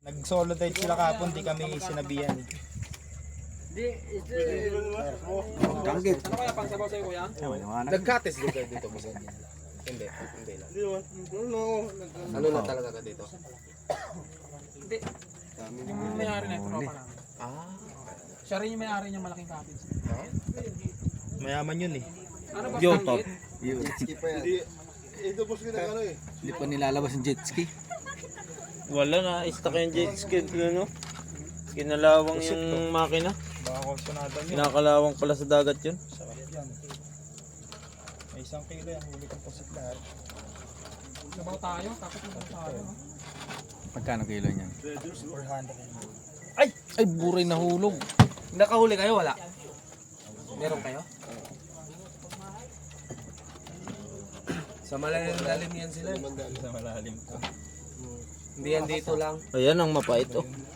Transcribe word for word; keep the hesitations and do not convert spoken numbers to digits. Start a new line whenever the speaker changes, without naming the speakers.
Nag-solo dive sila kahapon, di kami sinabihan.
Kanggit.
Ano kaya pang sabaw sa'yo, kuya?
Nagkates din kayo dito, boss. Hindi, hindi na. Ano na talaga ka dito?
Hindi. Yung may-ari na ito, tropa namin.
Ah.
Siya rin yung may-ari niyang malaking cottage.
Mayaman yun eh.
Ano ba
Yo,
Kanggit?
Jet ski pa yan.
Ito boss ginagano eh.
Hindi pa nilalabas yung jet ski.
Wala na, stuck yung jet ski, ano? Kinalawang yung makina.
Baka konsonadan yun.
Kinakalawang pala sa dagat yun.
Sarap yan. May isang kilo yan, huli kong pusit lahat.
Sabaw tayo, tapos sabaw tayo. no?
Magkano kilo niyan?
four hundred.
Ay, buray nahulog.
Nakahuli kayo, wala? Meron kayo? Sa malalim yan sila.
Sa malalim ko.
Hindi yan dito lang.
Ayan ang mapait, oh.